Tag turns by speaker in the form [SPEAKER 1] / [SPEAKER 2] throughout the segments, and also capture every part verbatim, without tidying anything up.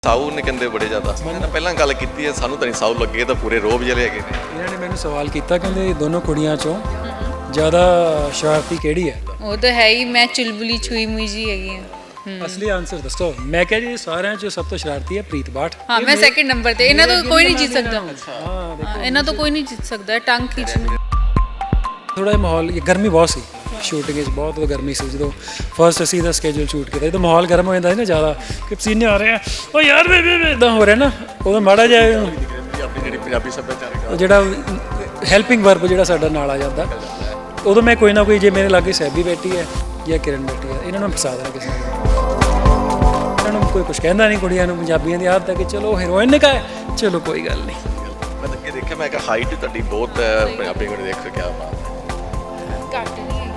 [SPEAKER 1] ਸਾਊ ਨੇ ਕਹਿੰਦੇ ਬੜੇ ਜ਼ਿਆਦਾ ਮੈਂ ਪਹਿਲਾਂ ਗੱਲ ਕੀਤੀ ਹੈ ਸਾਨੂੰ ਤਾਂ ਨਹੀਂ ਸਾਊ ਲੱਗੇ ਤਾਂ ਪੂਰੇ ਰੋਬ ਜਿਹੜੇ ਹੈਗੇ ਨੇ।
[SPEAKER 2] ਇਹਨਾਂ ਨੇ ਮੈਨੂੰ ਸਵਾਲ ਕੀਤਾ ਕਹਿੰਦੇ ਦੋਨੋਂ ਕੁੜੀਆਂ ਚੋਂ ਜ਼ਿਆਦਾ ਸ਼ਰਾਰਤੀ ਕਿਹੜੀ ਹੈ।
[SPEAKER 3] ਉਹ ਤਾਂ ਹੈ ਹੀ, ਮੈਂ ਚੁਲਬੁਲੀ ਛੂਈ ਮੁਈ ਜੀ ਹੈਗੀ ਹਾਂ।
[SPEAKER 2] ਅਸਲੀ ਆਨਸਰ ਦੱਸੋ। ਮੈਂ ਕਿਹਾ ਜੀ ਸਾਰਿਆਂ ਚੋਂ ਸਭ ਤੋਂ ਸ਼ਰਾਰਤੀ ਹੈ ਪ੍ਰੀਤ ਬਾਠ।
[SPEAKER 3] ਹਾਂ ਮੈਂ ਸੈਕਿੰਡ ਨੰਬਰ ਤੇ। ਇਹਨਾਂ ਤੋਂ ਕੋਈ ਨਹੀਂ ਜਿੱਤ ਸਕਦਾ।
[SPEAKER 2] ਹਾਂ
[SPEAKER 3] ਹਾਂ, ਇਹਨਾਂ ਤੋਂ ਕੋਈ ਨਹੀਂ ਜਿੱਤ ਸਕਦਾ। ਟੰਗ ਖਿੱਚਣੀ।
[SPEAKER 2] ਥੋੜਾ ਜਿਹਾ ਮਾਹੌਲ ਗਰਮੀ ਬਹੁਤ ਸੀ ਸ਼ੂਟਿੰਗ ਵਿੱਚ, ਬਹੁਤ ਗਰਮੀ ਸੀ। ਜਦੋਂ ਫਸਟ ਅਸੀਂ ਦਾ ਸਕੇਜੂਲ ਸ਼ੂਟ ਕੀਤਾ ਜਦੋਂ ਮਾਹੌਲ ਗਰਮ ਹੋ ਜਾਂਦਾ ਸੀ ਨਾ ਜ਼ਿਆਦਾ ਕਿ ਪਸੀਨੇ ਆ ਰਹੇ ਆ ਉਹ ਯਾਰ ਵੇ ਵੇ ਇਦਾਂ ਹੋ ਰਿਹਾ ਨਾ ਉਦੋਂ ਮਾੜਾ ਜਿਹਾ
[SPEAKER 1] ਆਪਣੀ ਜਿਹੜੀ ਪੰਜਾਬੀ ਸੱਭਿਆਚਾਰਕ
[SPEAKER 2] ਜਿਹੜਾ ਹੈਲਪਿੰਗ ਵਰਬ ਜਿਹੜਾ ਸਾਡਾ ਨਾਲ ਆ ਜਾਂਦਾ ਉਦੋਂ ਮੈਂ ਕੋਈ ਨਾ ਕੋਈ ਜੇ ਮੇਰੇ ਲਾਗੇ ਸਹਿਬੀ ਬੈਠੀ ਹੈ ਜਾਂ ਕਿਰਨ ਬੈਠੀ ਹੈ ਇਹਨਾਂ ਨੂੰ ਫਸਾ ਦੇਣਾ ਕਿਸੇ ਨੂੰ। ਇਹਨਾਂ ਨੂੰ ਕੋਈ ਕੁਝ ਕਹਿੰਦਾ ਨਹੀਂ। ਕੁੜੀਆਂ ਨੂੰ ਪੰਜਾਬੀਆਂ ਦੀ ਆਦਤ ਹੈ ਕਿ ਚਲੋ ਹੀਰੋਇਨ ਨੇ ਕਹਾ ਚਲੋ ਕੋਈ ਗੱਲ ਨਹੀਂ।
[SPEAKER 1] ਮੈਂ ਤਾਂ ਅੱਗੇ ਦੇਖਿਆ ਮੈਂ ਕਿਹਾ ਹਾਈਟ ਤੁਹਾਡੀ ਬਹੁਤ ਹੈ ਪੰਜਾਬੀ ਕੋਲ ਦੇਖ ਕੇ ਕਿਆ ਬਾਤ ਹੈ।
[SPEAKER 3] ਘੱਟ ਨਹੀਂ ਹੈਗੀ।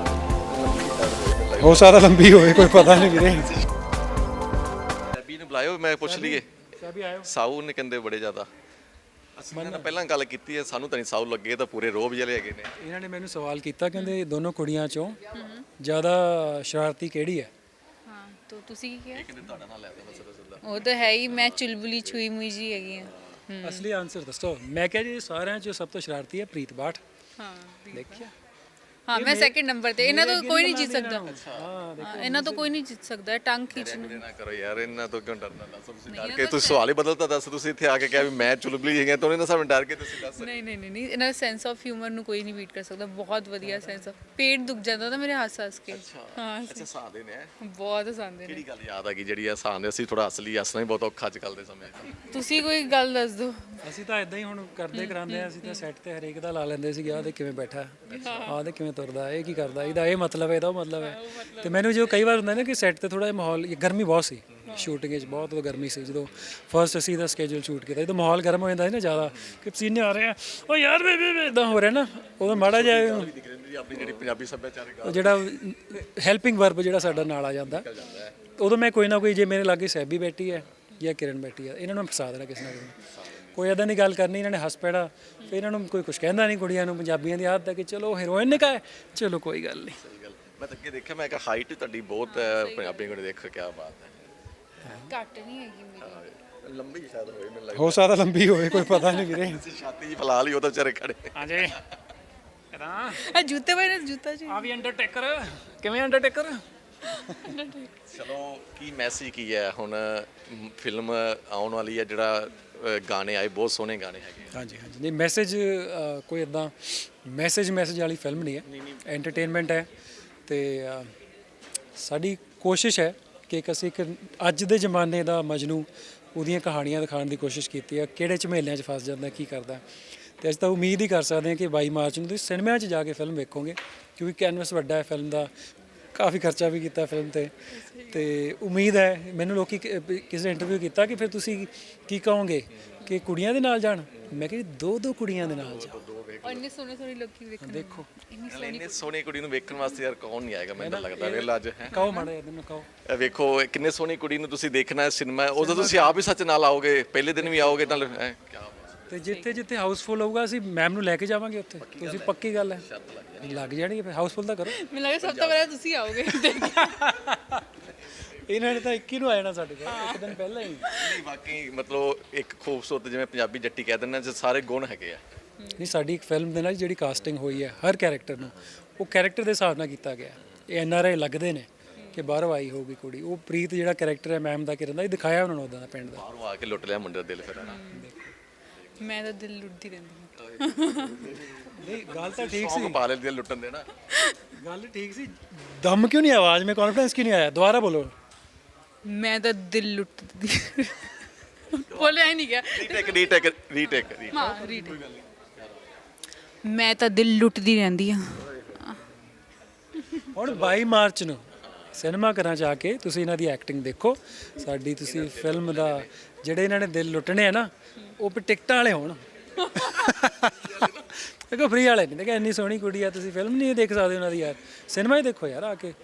[SPEAKER 2] ਹੋ ਸਕਦਾ ਲੰਬੀ ਹੋਵੇ ਕੋਈ ਪਤਾ ਨਹੀਂ ਵੀਰੇ।
[SPEAKER 1] ਪੰਜਾਬੀ ਨੂੰ ਬੁਲਾਇਓ ਮੈਂ ਪੁੱਛ ਲਈਏ।
[SPEAKER 2] ਸਹਿਬੀ ਆਇਓ।
[SPEAKER 1] ਸਾਊ ਨੇ ਕਹਿੰਦੇ ਬੜੇ ਜ਼ਿਆਦਾ ਮੈਂ ਤਾਂ ਪਹਿਲਾਂ ਗੱਲ ਕੀਤੀ ਹੈ ਸਾਨੂੰ ਤਾਂ ਨਹੀਂ ਸਾਊ ਲੱਗੇ ਤਾਂ ਪੂਰੇ ਰੋਬ ਜਿਹੜੇ ਹੈਗੇ ਨੇ।
[SPEAKER 2] ਇਹਨਾਂ ਨੇ ਮੈਨੂੰ ਸਵਾਲ ਕੀਤਾ ਕਹਿੰਦੇ ਦੋਨੋਂ ਕੁੜੀਆਂ ਚੋਂ ਜ਼ਿਆਦਾ ਸ਼ਰਾਰਤੀ ਕਿਹੜੀ ਹੈ।
[SPEAKER 3] ਹਾਂ ਤਾਂ ਤੁਸੀਂ ਕੀ ਕਿਹਾ?
[SPEAKER 1] ਕਹਿੰਦੇ ਤੁਹਾਡਾ ਨਾਲ ਲੈ ਦੋ ਬਸ ਸਿੱਧਾ।
[SPEAKER 3] ਉਹ ਤਾਂ ਹੈ ਹੀ, ਮੈਂ ਚੁਲਬੁਲੀ ਛੂਈ ਮੁਈ ਜੀ ਹੈਗੀ ਹਾਂ।
[SPEAKER 2] ਅਸਲੀ ਆਨਸਰ ਦੱਸੋ। ਮੈਂ ਕਿਹਾ ਜੀ ਸਾਰਿਆਂ ਚੋਂ ਸਭ ਤੋਂ ਸ਼ਰਾਰਤੀ ਹੈ ਪ੍ਰੀਤ ਬਾਠ।
[SPEAKER 3] ਹਾਂ
[SPEAKER 2] ਦੇਖਿਆ।
[SPEAKER 3] ਹਾਂ ਮੈਂ ਸੈਕਿੰਡ ਨੰਬਰ ਤੇ। ਇਹਨਾਂ ਤੋਂ ਕੋਈ ਨਹੀਂ ਜਿੱਤ ਸਕਦਾ।
[SPEAKER 2] ਹਾਂ
[SPEAKER 3] ਹਾਂ, ਇਹਨਾਂ ਤੋਂ ਕੋਈ ਨਹੀਂ ਜਿੱਤ ਸਕਦਾ। ਟੰਗ ਖਿੱਚਣੀ।
[SPEAKER 1] ਨਾ ਕਰੋ ਯਾਰ ਇਹਨਾਂ ਤੋਂ ਕਿਉਂ ਡਰਨਾ? ਦੱਸੋ ਤੁਸੀਂ ਡਰ ਕੇ ਤੁਸੀਂ ਸਵਾਲ ਹੀ ਬਦਲਤਾ। ਦੱਸ ਤੁਸੀਂ ਇੱਥੇ ਆ ਕੇ ਕਿਹਾ ਵੀ ਮੈਂ ਚੁਲਬਲੀ ਹੈਗਾ ਤਾਂ ਉਹਨਾਂ ਸਾਹਮਣੇ ਡਰ ਕੇ ਤੁਸੀਂ ਦੱਸ।
[SPEAKER 3] ਨਹੀਂ ਨਹੀਂ ਨਹੀਂ ਨਹੀਂ ਇਹਨਾਂ ਦਾ ਸੈਂਸ ਆਫ ਹਿਊਮਰ ਨੂੰ ਕੋਈ ਨਹੀਂ ਬੀਟ ਕਰ ਸਕਦਾ। ਬਹੁਤ ਵਧੀਆ ਸੈਂਸ ਆਫ। ਪੇਟ ਦੁਖ ਜਾਂਦਾ ਤਾਂ ਮੇਰੇ ਹੱਸ ਹੱਸ ਕੇ। ਹਾਂ
[SPEAKER 1] ਅੱਛਾ ਹਸਾਉਂਦੇ ਨੇ।
[SPEAKER 3] ਬਹੁਤ ਹਸਾਉਂਦੇ ਨੇ।
[SPEAKER 1] ਕਿਹੜੀ ਗੱਲ ਯਾਦ ਆ ਗਈ ਜਿਹੜੀ ਹਸਾਉਂਦੇ? ਅਸੀਂ ਥੋੜਾ ਅਸਲੀ ਹੱਸਣਾ ਹੀ ਬਹੁਤ ਔਖਾ ਅੱਜ ਕੱਲ੍ਹ ਦੇ ਸਮੇਂ 'ਚ।
[SPEAKER 3] ਤੁਸੀਂ ਕੋਈ ਗੱਲ ਦੱਸ ਦਿਓ।
[SPEAKER 2] ਅਸੀਂ ਤਾਂ ਇਦਾਂ ਹੀ ਹੁਣ ਕਰਦੇ ਕਰਾਂਦੇ ਆ। ਅਸੀਂ ਤਾਂ ਸੈੱਟ ਤੇ ਹਰੇਕ ਦਾ ਲਾ ਲੈਂਦੇ ਸੀਗੇ ਆਹ ਦੇ ਕਿਵੇਂ ਬੈਠਾ ਆਹ ਦੇ ਕਿਵੇਂ ਤੁਰਦਾ ਇਹ ਕੀ ਕਰਦਾ ਇਹਦਾ ਇਹ ਮਤਲਬ ਹੈ ਇਹਦਾ ਉਹ ਮਤਲਬ ਹੈ। ਤੇ ਮੈਨੂੰ ਜੋ ਕਈ ਵਾਰ ਹੁੰਦਾ ਨਾ ਕਿ ਸੈੱਟ ਤੇ ਥੋੜਾ ਜਿਹਾ ਮਾਹੌਲ ਗਰਮੀ ਬਹੁਤ ਸੀ ਸ਼ੂਟਿੰਗ ਵਿੱਚ, ਬਹੁਤ ਗਰਮੀ ਸੀ। ਜਦੋਂ ਫਸਟ ਅਸੀਂ ਦਾ ਸਕੇਜੂਲ ਸ਼ੂਟ ਕੀਤਾ ਜਦੋਂ ਮਾਹੌਲ ਗਰਮ ਹੋ ਜਾਂਦਾ ਸੀ ਨਾ ਜ਼ਿਆਦਾ ਕਿ ਪਸੀਨੇ ਆ ਰਹੇ ਆ ਉਹ ਯਾਰ ਵੇ ਵੇ ਇਦਾਂ ਹੋ ਰਿਹਾ ਨਾ ਉਦੋਂ ਮਾੜਾ ਜਿਹਾ
[SPEAKER 1] ਆਪਣੀ ਜਿਹੜੀ ਪੰਜਾਬੀ ਸੱਭਿਆਚਾਰਕ
[SPEAKER 2] ਜਿਹੜਾ ਹੈਲਪਿੰਗ ਵਰਬ ਜਿਹੜਾ ਸਾਡਾ ਨਾਲ ਆ ਜਾਂਦਾ ਉਦੋਂ ਮੈਂ ਕੋਈ ਨਾ ਕੋਈ ਜੇ ਮੇਰੇ ਲਾਗੇ ਸਹਿਬੀ ਬੈਠੀ ਹੈ ਜਾਂ ਕਿਰਨ ਬੈਠੀ ਹੈ ਇਹਨਾਂ ਨੂੰ ਫਸਾ ਦੇਣਾ ਕਿਸੇ ਨਾ ਕਿਸੇ ਨੂੰ। ਕੋਈ ਇੱਦਾਂ ਦੀ ਗੱਲ ਕਰਨੀ ਇਹਨਾਂ ਨੇ ਹੱਸ ਪੈਣਾ ਫਿਰ ਇਹਨਾਂ ਨੂੰ ਕੋਈ ਕੁਝ ਕਹਿੰਦਾ ਨਹੀਂ। ਕੁੜੀਆਂ ਨੂੰ ਪੰਜਾਬੀਆਂ ਦੀ ਆਦਤ ਹੈ ਕਿ ਚਲੋ ਹੀਰੋਇਨ ਨੇ ਕਹਾ ਚਲੋ ਕੋਈ ਗੱਲ ਨਹੀਂ।
[SPEAKER 1] ਸਹੀ ਗੱਲ। ਮੈਂ ਤਾਂ ਅੱਗੇ ਦੇਖਿਆ ਮੈਂ ਕਿਹਾ ਹਾਈਟ ਤੁਹਾਡੀ ਬਹੁਤ ਹੈ ਪੰਜਾਬੀ ਕੋਲ ਦੇਖ ਕੇ ਕਿਆ ਬਾਤ ਹੈ।
[SPEAKER 3] ਘੱਟ ਨਹੀਂ ਹੈਗੀ ਮੇਰੀ।
[SPEAKER 1] ਲੰਬੀ ਸ਼ਾਇਦ ਹੋਏ ਮੈਨੂੰ ਲੱਗਦਾ।
[SPEAKER 2] ਹੋ ਸਕਦਾ ਲੰਬੀ ਹੋਵੇ ਕੋਈ ਪਤਾ ਨਹੀਂ ਵੀਰੇ।
[SPEAKER 1] ਛਾਤੀ ਜੀ ਫਲਾ ਲਈ ਉਹ ਤਾਂ ਵਿਚਾਰੇ ਖੜੇ।
[SPEAKER 2] ਹਾਂਜੀ ਕਿਦਾਂ
[SPEAKER 3] ਆ ਜੁੱਤੇ ਪਾਏ ਨੇ ਜੁੱਤਾ ਜੀ।
[SPEAKER 2] ਆ ਵੀ ਅੰਡਰਟੇਕਰ ਕਿਵੇਂ ਅੰਡਰਟੇਕਰ।
[SPEAKER 1] ਚਲੋ ਕੀ ਮੈਸੇਜ ਕੀ ਹੈ ਹੁਣ ਫਿਲਮ ਆਉਣ ਵਾਲੀ ਹੈ ਜਿਹੜਾ ਗਾਣੇ ਆਏ ਬਹੁਤ ਸੋਹਣੇ ਗਾਣੇ ਹੈਗੇ।
[SPEAKER 2] ਹਾਂਜੀ ਹਾਂਜੀ ਨਹੀਂ ਮੈਸੇਜ ਕੋਈ ਇਦਾਂ ਮੈਸੇਜ ਮੈਸੇਜ ਵਾਲੀ ਫਿਲਮ ਨਹੀਂ ਹੈ, ਐਂਟਰਟੇਨਮੈਂਟ ਹੈ। ਤੇ ਸਾਡੀ ਕੋਸ਼ਿਸ਼ ਹੈ ਕਿ ਇੱਕ ਅਸੀਂ ਇੱਕ ਅੱਜ ਦੇ ਜ਼ਮਾਨੇ ਦਾ ਮਜਨੂ ਉਹਦੀਆਂ ਕਹਾਣੀਆਂ ਦਿਖਾਉਣ ਦੀ ਕੋਸ਼ਿਸ਼ ਕੀਤੀ ਹੈ। ਕਿਹੜੇ ਝਮੇਲਿਆਂ 'ਚ ਫਸ ਜਾਂਦਾ ਕੀ ਕਰਦਾ। ਤੇ ਅਸੀਂ ਤਾਂ ਉਮੀਦ ਹੀ ਕਰ ਸਕਦੇ ਹਾਂ ਕਿ ਬਾਈ ਮਾਰਚ ਨੂੰ ਤੁਸੀਂ ਸਿਨੇਮਾ 'ਚ ਜਾ ਕੇ ਫਿਲਮ ਵੇਖੋਗੇ ਕਿਉਂਕਿ ਕੈਨਵਸ ਵੱਡਾ ਹੈ ਫਿਲਮ ਦਾ। ਕਾਫੀ ਖਰਚਾ ਵੀ ਕੀਤਾ ਫਿਲਮ 'ਤੇ ਤੇ ਉਮੀਦ ਹੈ ਮੈਨੂੰ ਲੋਕੀ ਕਿਸੇ ਨੇ ਇੰਟਰਵਿਊ ਕੀਤਾ ਕਿ ਫਿਰ ਤੁਸੀਂ ਕੀ ਕਹੋਗੇ ਕਿ ਕੁੜੀਆਂ ਦੇ ਨਾਲ ਜਾਣ। ਮੈਂ ਕਿਹਾ ਦੋ ਦੋ ਕੁੜੀਆਂ ਦੇ ਨਾਲ ਜਾਓ।
[SPEAKER 3] ਔਰ ਇੰਨੇ ਸੋਹਣੇ ਸੋਹਣੇ ਲੋਕੀ ਵੇਖਣ।
[SPEAKER 2] ਦੇਖੋ
[SPEAKER 1] ਇੰਨੀ ਸੋਹਣੀ ਕੁੜੀ ਨੂੰ ਵੇਖਣ ਵਾਸਤੇ ਯਾਰ ਕੌਣ ਨਹੀਂ ਆਏਗਾ ਮੈਨੂੰ ਲੱਗਦਾ ਵੇਲਾ ਅੱਜ ਹੈ।
[SPEAKER 2] ਕਹੋ ਮਾੜਾ ਇਹਨੂੰ ਕਹੋ।
[SPEAKER 1] ਇਹ ਵੇਖੋ ਕਿੰਨੇ ਸੋਹਣੀ ਕੁੜੀ ਨੂੰ ਤੁਸੀਂ ਦੇਖਣਾ ਸਿਨੇਮਾ ਉਦੋਂ ਤੁਸੀਂ ਆਪ ਹੀ ਸੱਚ ਨਾਲ ਆਓਗੇ ਪਹਿਲੇ ਦਿਨ ਵੀ ਆਓਗੇ ਤਾਂ ਕਿਆ
[SPEAKER 2] ਤੇ ਜਿੱਥੇ ਜਿੱਥੇ ਹਾਊਸਫੁੱਲ ਹੋਊਗਾ ਅਸੀਂ ਮੈਮ ਨੂੰ ਲੈ ਕੇ ਜਾਵਾਂਗੇ ਉੱਥੇ। ਤੁਸੀਂ ਪੱਕੀ ਗੱਲ ਹੈ ਲੱਗ ਜਾਣੀ ਫਿਰ ਹਾਊਸਫੁੱਲ ਤਾਂ ਕਰੋ।
[SPEAKER 3] ਮੈਨੂੰ ਲੱਗਦਾ ਸਭ ਤੋਂ ਪਹਿਲਾਂ ਤੁਸੀਂ ਆਓਗੇ।
[SPEAKER 2] ਇਹਨਾਂ ਨੇ ਤਾਂ ਇੱਕੀ ਨੂੰ ਆ ਜਾਣਾ ਸਾਡੇ ਕੋਲ ਇੱਕ ਦਿਨ ਪਹਿਲਾਂ ਹੀ।
[SPEAKER 1] ਨਹੀਂ ਵਾਕਈ ਮਤਲਬ ਇੱਕ ਖੂਬਸੂਰਤ ਜਿਵੇਂ ਪੰਜਾਬੀ ਜੱਟੀ ਕਹਿ ਦਿੰਦੇ ਨੇ ਸਾਰੇ ਗੁਣ ਹੈਗੇ ਆ।
[SPEAKER 2] ਨਹੀਂ ਸਾਡੀ ਇੱਕ ਫਿਲਮ ਦੇ ਨਾਲ ਜਿਹੜੀ ਕਾਸਟਿੰਗ ਹੋਈ ਹੈ ਹਰ ਕੈਰੈਕਟਰ ਨੂੰ ਉਹ ਕੈਰੈਕਟਰ ਦੇ ਹਿਸਾਬ ਨਾਲ ਕੀਤਾ ਗਿਆ। ਇਹ ਐਨ ਆਰ ਆਈ ਲੱਗਦੇ ਨੇ ਕਿ ਬਾਹਰੋਂ ਆਈ ਹੋਊਗੀ ਕੁੜੀ। ਉਹ ਪ੍ਰੀਤ ਜਿਹੜਾ ਕੈਰੈਕਟਰ ਹੈ ਮੈਮ ਦਾ ਕਿਰਨ ਦਾ ਇਹ ਦਿਖਾਇਆ ਉਹਨਾਂ ਨੂੰ ਉੱਦਾਂ ਦਾ ਪਿੰਡ ਦਾ।
[SPEAKER 1] ਬਾਹਰੋਂ ਆ ਕੇ ਲੁੱਟ ਲਿਆ ਮੁੰਡੇ ਦਾ ਦਿਲ ਫਿਰ ਹਨਾ।
[SPEAKER 3] ਮੈਂ ਤਾਂ ਦਿਲ ਲੁੱਟਦੀ ਰਹਿੰਦੀ ਹਾਂ।
[SPEAKER 2] ਨਹੀਂ ਗੱਲ ਤਾਂ ਠੀਕ ਸੀ।
[SPEAKER 1] ਪਾ ਲੈ ਦਿਲ ਲੁੱਟਣ ਦੇ ਨਾ।
[SPEAKER 2] ਗੱਲ ਠੀਕ ਸੀ। ਦਮ ਕਿਉਂ ਨਹੀਂ ਆਵਾਜ਼ ਮੈਂ ਕੌਨਫੀਡੈਂਸ ਕਿਉਂ ਨਹੀਂ ਆਇਆ? ਦੁਬਾਰਾ ਬੋਲੋ।
[SPEAKER 3] ਮੈਂ ਤਾਂ ਦਿਲ ਲੁੱਟਦੀ ਬੋਲਿਆ ਹੀ ਨਹੀਂ ਗਿਆ।
[SPEAKER 1] ਰੀਟੇਕ ਰੀਟੇਕ ਰੀਟੇਕ
[SPEAKER 3] ਹਾਂ ਰੀਟੇਕ। ਮੈਂ ਤਾਂ ਦਿਲ ਲੁੱਟਦੀ ਰਹਿੰਦੀ ਹਾਂ।
[SPEAKER 2] ਹੁਣ ਬਾਈ ਮਾਰਚ ਨੂੰ ਸਿਨੇਮਾ ਘਰਾਂ 'ਚ ਆ ਕੇ ਤੁਸੀਂ ਇਹਨਾਂ ਦੀ ਐਕਟਿੰਗ ਦੇਖੋ। ਸਾਡੀ ਤੁਸੀਂ ਫਿਲਮ ਦਾ ਜਿਹੜੇ ਇਹਨਾਂ ਨੇ ਦਿਲ ਲੁੱਟਣੇ ਆ ਨਾ ਉਹ ਵੀ ਟਿਕਟਾਂ ਵਾਲੇ ਹੋਣ। ਦੇਖੋ ਫ੍ਰੀ ਵਾਲੇ ਨਹੀਂ। ਦੇਖੋ ਇੰਨੀ ਸੋਹਣੀ ਕੁੜੀ ਆ ਤੁਸੀਂ ਫਿਲਮ ਨਹੀਂ ਦੇਖ ਸਕਦੇ ਉਹਨਾਂ ਦੀ ਯਾਰ। ਸਿਨੇਮਾ ਹੀ ਦੇਖੋ ਯਾਰ ਆ ਕੇ।